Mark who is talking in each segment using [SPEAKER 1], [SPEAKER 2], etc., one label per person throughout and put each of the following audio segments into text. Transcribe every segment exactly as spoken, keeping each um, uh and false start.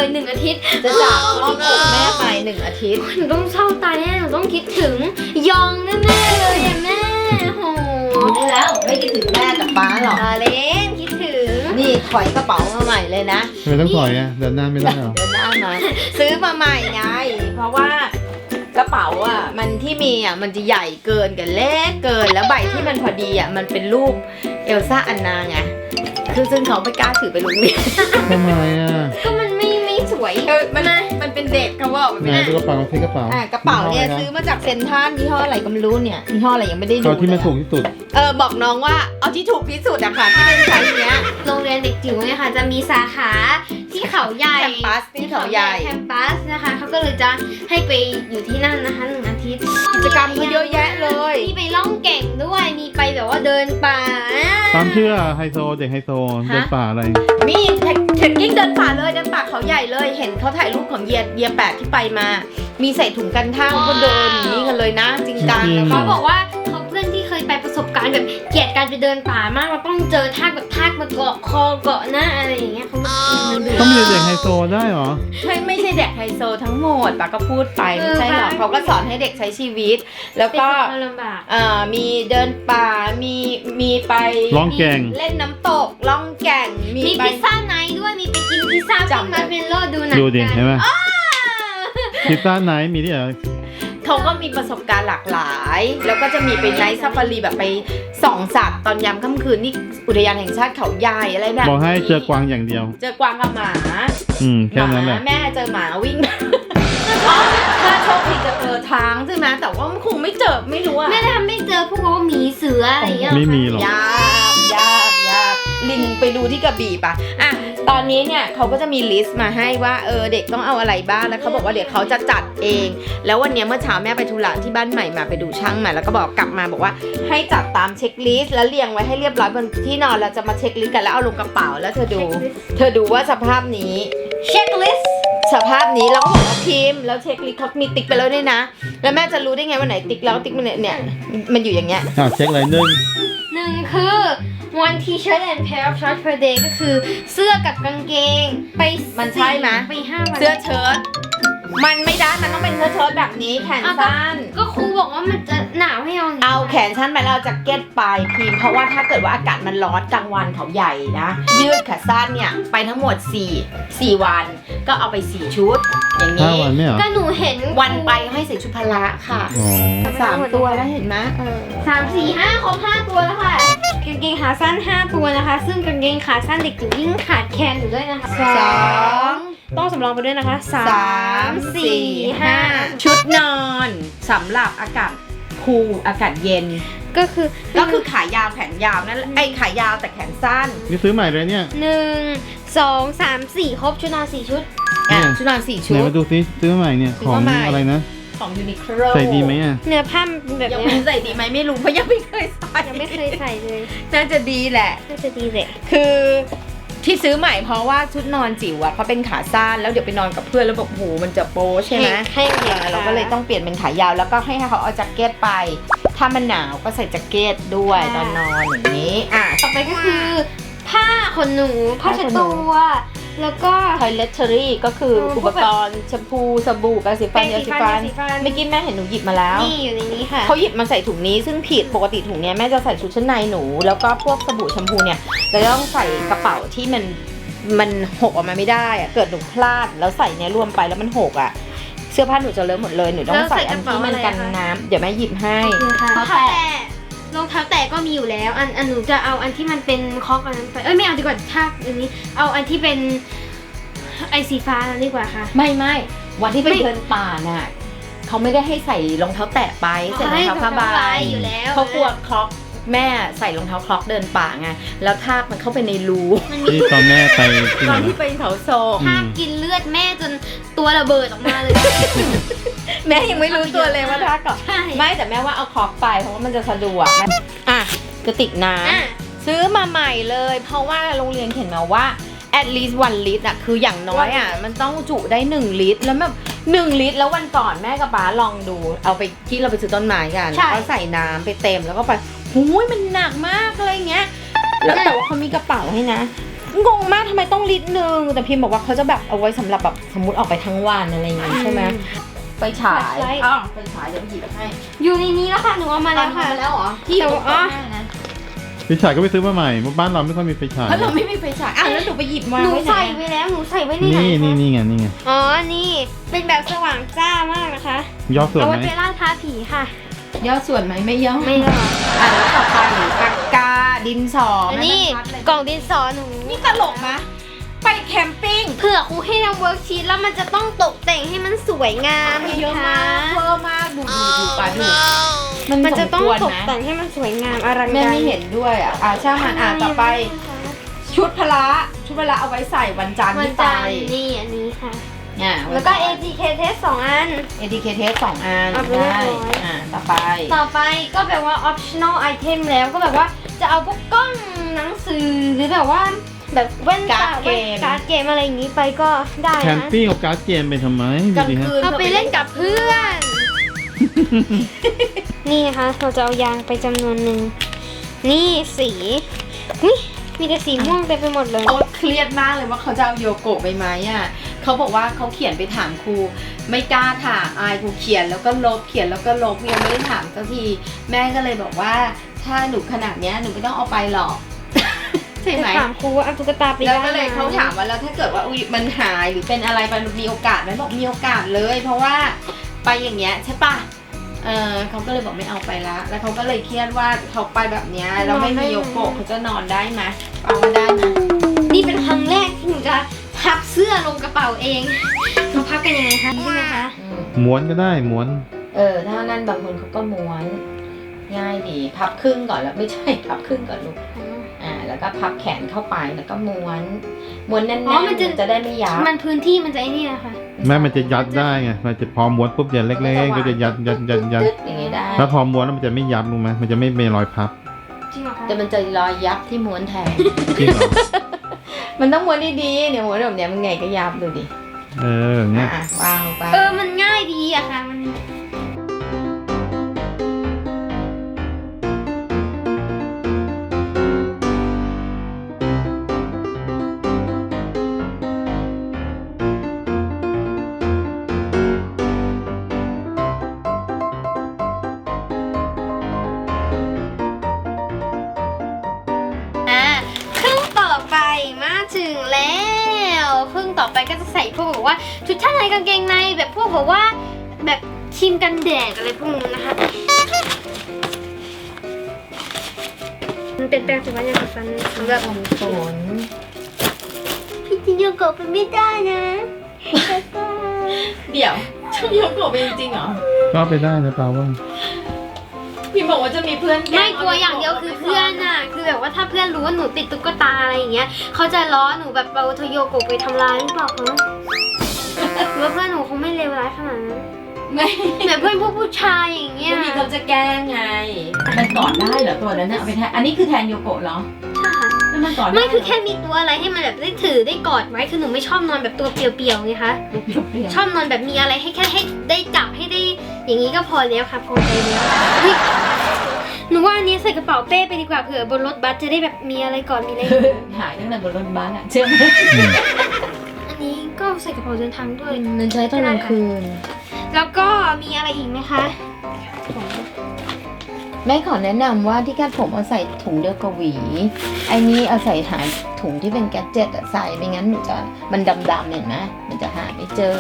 [SPEAKER 1] เลยหนึ่งอาทิตย์
[SPEAKER 2] จะจากครอบครัวแม่ไปหนึ่งอาทิตย์
[SPEAKER 1] หนูต้องเศร้าตายแน่หนูต้องคิดถึงยองแน่ๆเลยอะแม่โห
[SPEAKER 2] รู้แล้วไม่คิดถึงแม่กับป้าหรอก
[SPEAKER 1] ตาเล่นคิดถึง
[SPEAKER 2] นี่ถอยกระเป๋ามาใหม่เลยนะ
[SPEAKER 3] ไม่ต้องถอยอ่ะเดินหน้าไม่ได้หรอ
[SPEAKER 2] เดินหน้ามาซื้อมาใหม่ไงเพราะว่ากระเป๋าอ่ะมันที่มีอ่ะมันจะใหญ่เกินกับเล็กเกินแล้วใบที่มันพอดีอ่ะมันเป็นรูปเอลซ่าอันนาไงคือซึ่งเขาไม่กล้าถือไปโรงเรียน
[SPEAKER 3] ทำไมอ่ะ
[SPEAKER 1] ก็มันไม่ไม่สวย
[SPEAKER 2] เออมันมันเป็นเด็กเขาบอกมัน
[SPEAKER 3] ไห
[SPEAKER 2] ไม่
[SPEAKER 3] น
[SPEAKER 2] ได้
[SPEAKER 3] ดูกระเป๋าที่กระเป๋า
[SPEAKER 2] อ่ะกระเป๋าเนี่ยซื้อมาจากเซ็นทรัลยี่ห้ออะไรก็ไม่รู้เนี่ยยี่ห้ออะไรยังไม่ได้ดู
[SPEAKER 3] เอาที่มัน
[SPEAKER 2] เลย
[SPEAKER 3] ถูกที่สุด
[SPEAKER 2] เออบอกน้องว่าเอาที่ถูกที่สุดอะค่ะที่เป็นไซส์เนี้ย
[SPEAKER 1] โรงเรียนเด็กจิ๋วเนี่ยค่ะจะมีสาขาที่เขาใหญ่
[SPEAKER 2] แคมปัสที่เขาใหญ่
[SPEAKER 1] แคมปัสนะคะเขาก็เลยจะให้ไปอยู่ที่นั่นนะคะหนึ่งอาทิตย์
[SPEAKER 2] กิจกรรมเขาเยอะแยะเลย
[SPEAKER 1] มีไปล่องแก่งด้วยมีไปแบบว่าเดินป่า
[SPEAKER 3] ตามเชื่อไฮโซเด็กไฮโซเดินป่าอะไร
[SPEAKER 2] มีเทคกิ้งเดินป่าเลยเดินป่าเขาใหญ่เลยเห็นเขาถ่ายรูปของเยียเยียแปดที่ไปมา มีใส่ถุงกันท่างก็เดินอย่างนี้กันเลยนะจริงจัง
[SPEAKER 1] เขาบอกว่าเขาเพื่อนที่เคยไปประสบการณ์แบบเกลียดการไปเดินป่ามากเราต้องเจอทากแบบทากมาเกาะคอเกาะหน้าอะไรอย่างเงี้ยเขาไม่ดู
[SPEAKER 3] ต้องมีเด็กไฮโซได้เหรอ
[SPEAKER 2] ใช่ไม่ใช่เด็กไฮโซทั้งหมดป้าก็พูดไปไม่ใช่หรอกเขาก็สอนให้เด็กใช้ชีวิต แล้ว
[SPEAKER 1] เป็น
[SPEAKER 2] ก็
[SPEAKER 1] ความลำบาก
[SPEAKER 2] เอ่อมีเดินป่ามีมีไป
[SPEAKER 3] ร้องแก่ง
[SPEAKER 2] เล่นน้ำตกล่องแก่งมี
[SPEAKER 1] มี
[SPEAKER 2] ไป
[SPEAKER 1] พิซซ่าไนท์ด้วยมีไปกินพิซซ่า
[SPEAKER 2] จำ
[SPEAKER 1] ที่มาร์เมลโล่ดูหนัง
[SPEAKER 3] ดูดิ
[SPEAKER 1] กัน
[SPEAKER 3] เห็นไหมพิซซ่าไหนมีที่ไหน
[SPEAKER 2] เขาก็มีประสบการณ์หลากหลาย แล้วก็จะมีไปไนท์ซาฟารีแบบไปส่องสัตว์ตอนยามค่ำคืนนี่อุทยานแห่งชาติเขาใหญ่อะไรแบบ
[SPEAKER 3] บอกให้เจอกวางอย่างเดียว
[SPEAKER 2] เจอกวางกับหมา
[SPEAKER 3] อืม
[SPEAKER 2] ห
[SPEAKER 3] แค่นั้นแห
[SPEAKER 2] มา
[SPEAKER 3] ละ
[SPEAKER 2] แม่เจอหมาวิ่ง อ๋อถ้าโชคดีจะเจอทางใช่ไหมแต่ว่ามันคงไม่เจอไม่รู้อะ
[SPEAKER 1] แม่ทำไม่เจอพวกว่าหมีเสืออะไรอย่างเงี้ย
[SPEAKER 3] ไม่มีหรอก
[SPEAKER 2] ยากยากยากลิงไปดูที่กระบี่ปะอ่ะตอนนี้เนี่ยเขาก็จะมีลิสต์มาให้ว่าเออเด็กต้องเอาอะไรบ้างแล้วเขาบอกว่าเดี๋ยวเขาจะจัดเอง แล้ววันนี้เมื่อเช้าแม่ไปธุระที่บ้านใหม่มาไปดูช่างมาแล้วก็บอกกลับมาบอกว่าให้จัดตามเช็คลิสต์แล้วเรียงไว้ให้เรียบร้อยบนที่นอนเราจะมาเช็คลิสต์กันแล้วเอาลงกระเป๋าแล้วเธอดู เธอดูว่าสภาพนี้
[SPEAKER 1] เช็คลิสต์
[SPEAKER 2] สภาพนี้เราก็บอกว่าพิมพ์แล้วเช็คลิสต์เขามีติ๊กไปแล้วด้วยนะ แล้วแม่จะรู้ได้ไงว่าไหนติ๊กแล้วติ๊กมันเนี่ยมันอยู่อย่างเงี้ย
[SPEAKER 3] อ่าเช็คอะไรหนึ่ง
[SPEAKER 1] หนึ่งคือ one t-shirt and pair of shorts per day ก็คือเสื้อกับกางเกงไป
[SPEAKER 2] มันใช่ไหม
[SPEAKER 1] ไปห้าวัน
[SPEAKER 2] เสื้อเชิ้ตมันไม่ได้มันต้องเป็นเสื้อเชิ้ตแบบนี้แขนสั้น
[SPEAKER 1] ก็ครูบอกว่ามันจะหนาวให้เอาย่งนี้
[SPEAKER 2] เอาแขนสั้นไปแล้วเอาแจ็คเก็ตไปพิมพ์เพราะว่าถ้าเกิดว่าอากาศมันร้อนกลางวันเขาใหญ่นะยืดขาสั้นเนี่ยไปทั้งหมดสี่ สี่วันก็เอาไปสี่ชุดอย่าง
[SPEAKER 3] ห้า
[SPEAKER 2] นี้
[SPEAKER 3] วันไม่เหรอ
[SPEAKER 1] ก็หนูเห็น
[SPEAKER 2] วันไปให้ใส่ชุดพละค่ะ
[SPEAKER 3] อ๋อ
[SPEAKER 2] สามตัวแล้วเห็นไหมเออ
[SPEAKER 1] สามสี่ห้าครบห้าตัวแล้วค่ะกางเกงขาสั้นห้าตัวนะคะ ซึ่งกางเกงขาสั้นเด็กจิ๋วยิ่งขาดแคลนอยู่ด้วยนะคะ
[SPEAKER 2] สอง
[SPEAKER 1] ต้องสำรองไปด้วยนะคะสา
[SPEAKER 2] สาม มสี่ห้าชุดนอนสำหรับอากาศคูลอากาศเย็น
[SPEAKER 1] ก็คือ
[SPEAKER 2] ก็คือขายาวแขนยาวนั่นแหละไอ้ขายาวแต่แขนสั้น
[SPEAKER 3] นี่ซื้อใหม่เลยเนี่ย
[SPEAKER 1] หนึ่งสองสามสี่ครบชุดนอนสี่ชุด
[SPEAKER 2] อ่ะ
[SPEAKER 3] เนี่ย
[SPEAKER 2] ชุดนอนสี่
[SPEAKER 3] ไห
[SPEAKER 2] ชุ
[SPEAKER 3] น
[SPEAKER 2] ด
[SPEAKER 3] มาดูซิซื้อใหม่เนี่ย
[SPEAKER 2] ซื้อ
[SPEAKER 3] ของ
[SPEAKER 2] มาใหม่
[SPEAKER 3] อะไรนะ
[SPEAKER 2] ของยูนิโคล
[SPEAKER 3] ใส่ดีไหมอ่ะ
[SPEAKER 1] เนื้อผ้ามันเป็นแบบ
[SPEAKER 2] ยัง
[SPEAKER 1] เนี้
[SPEAKER 2] ไม่
[SPEAKER 1] ย
[SPEAKER 2] ใส่ดีไหมไม่รู้เพราะยังไม่เคยใส่
[SPEAKER 1] ยังไม่เคยใส่เลย
[SPEAKER 2] น่าจะดีแหละ
[SPEAKER 1] น่าจะดีเลย
[SPEAKER 2] คือที่ซื้อใหม่เพราะว่าชุดนอนจิ๋วอะเขาเป็นขาสั้นแล้วเดี๋ยวไปนอนกับเพื่อนแล้วแบบโหมันจะโป๊ใช่ไหม
[SPEAKER 1] ให้เด็ก
[SPEAKER 2] อ่าเราก็เลยต้องเปลี่ยนเป็นขายาวแล้วก็ให้เขาเอาแจ็คเก็ตไป ถ้ามันหนาวก็ใส่แจ็คเก็ตด้วยตอนนอนอย่างนี้อ่ะ
[SPEAKER 1] ต่อไปก็คือ ผ้าขนหนูผ้าเช็ดตัวแล้วก็
[SPEAKER 2] toiletry ก็คืออุปกรณ์แชมพูสบู่แปรงสีฟันยาสีฟันเมื่อกี้แม่เห็นหนูหยิบมาแล้ว
[SPEAKER 1] นี่อยู่ในนี้ค่ะ
[SPEAKER 2] เขาหยิบมาใส่ถุงนี้ซึ่งผิดปกติถุงเนี้ยแม่จะใส่ชุดชั้นในหนู แล้วก็พวกสบู่แชมพูเนี่ยจะต้องใส่กระเป๋าที่มันมันหกออกมาไม่ได้อะเกิดหนูพลาดแล้วใส่เนี้ยรวมไปแล้วมันหกอะเสื้อผ้าหนูจะเลอะหมดเลยหนูต้องใส่อันที่มันกันน้ำเดี๋ยวแม่หยิบให้
[SPEAKER 1] รองเท้าแตะรองเท้าแตะก็มีอยู่แล้ว อันอันหนูจะเอาอันที่มันเป็นคอกอันนั้นไปเอ้ยไม่เอาดีกว่าถ้าอันนี้เอาอันที่เป็นไอสีฟ้านั่นดีกว่าค่ะ
[SPEAKER 2] ไม่ไม่วันที่ไปเดินป่าน่ะเขาไม่ได้ให้ใส่รองเท้าแตะไปใส่รองเท้าผ้าใบ
[SPEAKER 1] อยู่แล้ว
[SPEAKER 2] เขากลัวคล็อกแม่ใส่รองเท้าคล็อกเดินป่าไงแล้วทากมันเข้าไปในรู
[SPEAKER 1] มันมี
[SPEAKER 3] ที่ตอนแม่ไปที่
[SPEAKER 2] ต
[SPEAKER 3] ไหน
[SPEAKER 2] อนที่
[SPEAKER 3] นะ
[SPEAKER 2] ไปเขาโซก
[SPEAKER 1] ทากกินเลือดแม่จนตัวระเบิดออกมาเลย
[SPEAKER 2] แม่ยังไม่รู้ตัวเลยว่าทากก่อน
[SPEAKER 1] ใช่
[SPEAKER 2] ไม่แต่แม่ว่าเอาคล็อกไปเพราะว่ามันจะสะดวกอ่ะกระติกน้
[SPEAKER 1] อ่ะ
[SPEAKER 2] ำซื้อมาใหม่เลย เพราะว่าโรงเรียนเขียนมาว่า at least one ลิตรอ่ะคืออย่างน้อยอ่ะมันต้องจุได้หนึ่งลิตรแล้วแบบหนึ่งลิตรแล้ววันก่อนแม่กับป๊าลองดูเอาไปที่เราไปซื้อต้นไม้กันแล้วก็ใส่น้ำไปเต็มแล้วก็ไปหูยมันหนักมากอะไรเงี้ยแล้วแต่ว่าเขามีกระเป๋าให้นะงงมากทำไมต้องลิตรหนึ่งแต่พิมพ์บอกว่าเขาจะแบบเอาไว้สำหรับแบบสมมติออกไปทั้งวันอะไรอย่างงี้ใช่ไหมไปฉายอ้าวไปฉายเดี๋ยวหยิบให้
[SPEAKER 1] อยู่ในนี้แล้วค่ะหนูเอามาแล้วค่ะ
[SPEAKER 2] มาแล้วเหรอที่อยู่ตรงหน้านะ
[SPEAKER 3] ไฟฉายก็ไปซื้อมาใหม่บ้านเราไม่ค่อยมีไฟฉาย
[SPEAKER 2] เพราะเราไม่มีไฟฉายอ่ะแล้วหนูไปหยิบมา
[SPEAKER 1] หนู
[SPEAKER 2] ไว้ไหน
[SPEAKER 1] ใส่
[SPEAKER 2] อะ
[SPEAKER 1] ไว้แล้วหนูใส่ไว้ในไหน
[SPEAKER 3] นี่
[SPEAKER 1] คะ
[SPEAKER 3] นี่นี่ไงนี่ไง
[SPEAKER 1] อ๋อนี่เป็นแบบสว่างจ้ามากนะคะ
[SPEAKER 3] ยอดส่วน
[SPEAKER 1] เอา
[SPEAKER 3] ไห
[SPEAKER 1] ไว้
[SPEAKER 3] ม
[SPEAKER 1] ไปล่าท้าผีค่ะ
[SPEAKER 2] ย่อส่วนไหมไม่ย่อ
[SPEAKER 1] ไม่หรอก
[SPEAKER 2] อ่ะแล้วต่อไปปากกาดินสอ
[SPEAKER 1] อัน
[SPEAKER 2] แม่
[SPEAKER 1] นี้
[SPEAKER 2] บรรทัดเลย
[SPEAKER 1] กล่องดินสอหนู
[SPEAKER 2] นี่ตลกนะไปแคมปิ้ง
[SPEAKER 1] เผื่อครูให้ทำเวิร์กชีตแล้วมันจะต้องตกแต่งให้มันสวยงาม
[SPEAKER 2] เยอะมากเวอร์มากดูดูดูปาดู
[SPEAKER 1] มันจะต้อง
[SPEAKER 2] สมควร
[SPEAKER 1] ตก
[SPEAKER 2] นะ
[SPEAKER 1] แต่งให้มันสวยงามอลังการ
[SPEAKER 2] แม่ไม่เห็นด้วยอ่ะอ่ะช่างมันอ่ะต่อไปชุดพละชุดพละเอาไว้ใส่วันจันทร์
[SPEAKER 1] มัน
[SPEAKER 2] ที่ไป
[SPEAKER 1] จะนี่อันนี้ค่ะ
[SPEAKER 2] อ่ะ
[SPEAKER 1] แล้วก็ เอ ที เค test สองอัน
[SPEAKER 2] เอ ที เค test สองอัน
[SPEAKER 1] เอาไปเรียบ
[SPEAKER 2] ได้
[SPEAKER 1] ร้อย
[SPEAKER 2] อ่ะต่อไป
[SPEAKER 1] ต่อไปก็แบบว่า optional item แล้วก็แบบว่าจะเอาพวกกล้องหนังสือหรือแบบว่าแบบแว่นตา
[SPEAKER 2] การ์ดเกม
[SPEAKER 1] แว่นการ์ดเกมอะไรอย่างนี้ไปก็ได้
[SPEAKER 3] แคม
[SPEAKER 1] นะ
[SPEAKER 3] ปิ้งกับการ์ดเกมไปทำไม
[SPEAKER 2] ก
[SPEAKER 3] ดู
[SPEAKER 2] ลาง
[SPEAKER 3] ดิฮะ
[SPEAKER 2] คืน
[SPEAKER 1] เอาไปเล่นกับเพื่อน นี่นะคะเราจะเอายางไปจำนวนหนึ่งนี่สีนี่มีแต่สีม่วงเต็มไปหมดเลย
[SPEAKER 2] โอ๊ตเครียดมากเลยว่าเขาจะเอาโยโกะไปไหมอ่ะเขาบอกว่าเขาเขียนไปถามครูไม่กล้าถามอายครูเขียนแล้วก็ลบเขียนแล้วก็ลบยังไม่ได้ถามสักทีแม่ก็เลยบอกว่าถ้าหนูขนาดเนี้ยหนูไม่ต้องเอาไปหรอก ใช่ไหม
[SPEAKER 1] จะถามครูว่าเอาตุ๊กตาไป
[SPEAKER 2] แล้ว
[SPEAKER 1] ได้
[SPEAKER 2] ก็เลย
[SPEAKER 1] ไหม
[SPEAKER 2] เขาถามว่าแล้วถ้าเกิดว่าอุ๊ยมันหายหรือเป็นอะไรไปมีโอกาสไหมบอกมีโอกาสเลย เพราะว่าไปอย่างเงี้ยใช่ปะเออเขาก็เลยบอกไม่เอาไปละแล้วเขาก็เลยเครียดว่าเขาไปแบบเนี้ยแล้วไม่มีโยโกะเขาจะนอนได้ไหมเอามาได้นะ
[SPEAKER 1] นี่เป็นครั้งแรกที่หนูจะพับเสื้อลงกระเป๋าเองเราพับกันยังไงคะใช่ไหมคะ
[SPEAKER 2] อืม
[SPEAKER 3] ม้วนก็ได้ม้วน
[SPEAKER 2] เออถ้านั่นบางคนเขาก็ม้วนง่ายดีพับครึ่งก่อนแล้วไม่ใช่พับครึ่งก่อนลูกอ่าแล้วก็พับแขนเข้าไปแล้วก็ม้วนม้วนแน่น
[SPEAKER 1] อ๋อ
[SPEAKER 2] ๆ
[SPEAKER 1] มันจะ
[SPEAKER 2] จะได้ไม่ยับ
[SPEAKER 1] มันพื้นที่มันจะไอ้นี่นะคะ
[SPEAKER 3] แม่มันจะยัดได้ไงมันจะพอม้วนปุ๊บเดี๋ยวเล็กๆก็จะยัดยัดยัดยัด
[SPEAKER 2] ตึ๊ดอย่างงี้ได้
[SPEAKER 3] ถ้าพอม้วนแล้วมันจะไม่ยับรู้ไหมมันจะไม่มีรอยพับ
[SPEAKER 1] จริงเหรอคะ
[SPEAKER 2] แต่มันจะรอยยับที่ม้วนแทน
[SPEAKER 3] จริงเหรอ
[SPEAKER 2] มันต้องม้วนดีๆเนี่ยม้วนแบบเนี้ยมันไงก็ยับดูดิ
[SPEAKER 3] เออเนี่ย
[SPEAKER 2] อ่ะวางลงไป
[SPEAKER 1] เออมันง่ายดีอะค่ะมัน อ่ะครึ่งต่อไปมาถึงแล้วครึ่งต่อไปก็จะใส่พวกแบบว่าชุดชั้นในกางเกงในแบบพวกแบบว่าแบบครีมกันแดดอะไรพวกนี้นะคะมันเป็นแปรงสีฟันยาสีฟันสำหรับ
[SPEAKER 2] ทำฝน
[SPEAKER 1] พี่จินโยโกะเป็นไม่ได้นะ
[SPEAKER 2] เดี๋ยวช่างยกโกะเป็นจริงเหรอ
[SPEAKER 3] ก็ไปได้นะเปล่าว่า
[SPEAKER 2] พี่บอกว่าจะมีเพื่อนแล้
[SPEAKER 1] ไม่กลัวอย่างเดียวคือเพื่อนน่ะคือแบบว่าถ้าเพื่อนรู้ว่าหนูติดตุ๊กตาอะไรอย่างเงี้ยเขาจะล้อหนูแบบเอาโทโยโกะไปทำร้ายหรือเปล่าคะหรือว่าเพื่อนหนูคงไม่เลวร้ายขนาดนั้น
[SPEAKER 2] ไม่
[SPEAKER 1] แบบเพื่อนพวกผู้ชายอย่างเงี้ย
[SPEAKER 2] ไม่มีเขาจะแกล้งไง มันกอดได้เหรอตัวนั้นน่ะเอาไปแทนอันนี้คือแทนโยโกะเหรอ
[SPEAKER 1] ใช่ค่ะ
[SPEAKER 2] แล้วมันกอดด้
[SPEAKER 1] ไม่คือ
[SPEAKER 2] เหร
[SPEAKER 1] แค่มีตัวอะไรให้มันแบบได้ถือได้กอดไว้คือหนูไม่ชอบนอนแบบตัวเปลี่ยวๆไงคะ
[SPEAKER 2] เปรี้ยวๆ
[SPEAKER 1] ชอบนอนแบบมีอะไรให้แค่ให้ได้จับให้ได้อย่างนี้ก็พอแล้วค่ะพอใจแล้วเฮ้ยหนูว่าอันนี้ใส่กระเป๋าเป้ไปดีกว่าเผื่อบนรถบัสจะได้แบบมีอะไรก่อนมีอะไร
[SPEAKER 2] หายตั้งแต่บนรถบัสอะเชื่อไหม
[SPEAKER 1] อันนี้ก็ใส่กระเป๋าเดินทางด้วย
[SPEAKER 2] มันใช้ตอนกลางคืน
[SPEAKER 1] แล้วก็มีอะไรอีกไหมคะ
[SPEAKER 2] แม่ขอแนะนำว่าที่คาดผมเอาใส่ถุงเดียวกับหวี ไอ้นี้เอาใส่หาถุงที่เป็นแกดเจ็ตอะใส่ไม่งั้นหนูจะมันดำๆเห็นไหมมันจะหาไม่เจอ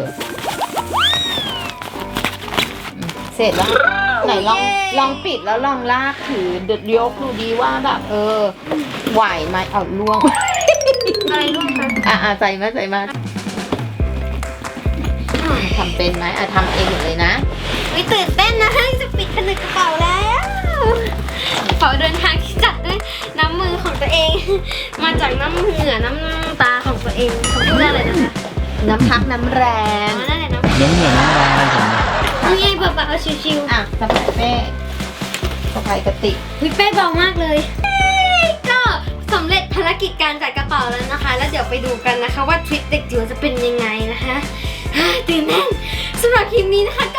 [SPEAKER 2] อืมเสร็จแล้วไหนลองลองปิดแล้วลองลากถือเดือดยกดูดีว่าแบบเออไหวไหมเอาล่วง
[SPEAKER 1] อะไรร่วงคะ
[SPEAKER 2] อ่ะอ่ะใส่มาใส่มาทำเป็นไหมอ่ะทำเองหมดเลยนะ
[SPEAKER 1] วิตื่นเต้นนะจะปิดผนึกกระเป๋าแล้วกระเป๋าเดินทางที่จัดด้วยน้ำมือของตัวเอง มาจากน้ำเหงื่อน้ำตาของตัวเองเขาพูดว่าอะไรนะคะ
[SPEAKER 2] น้ำพักน้ำแร
[SPEAKER 1] อ๋
[SPEAKER 2] ง
[SPEAKER 1] อนั่นแหละน้ำ
[SPEAKER 3] น้ำเหนือน้ำลายผม
[SPEAKER 1] นี่ไงเบาๆชิว
[SPEAKER 2] อ่ะสะพายเป้สะพายกระติก
[SPEAKER 1] ๆวิเป้เบามากเลยก็สำเร็จภารกิจการจัดกระเป๋าแล้วนะคะ แล้วเดี๋ยวไปดูกันนะคะว่าทริปเด็กจิ๋วจะเป็นยังไงนะคะตื่นเต้นสำหรับคลิปนี้นะคะ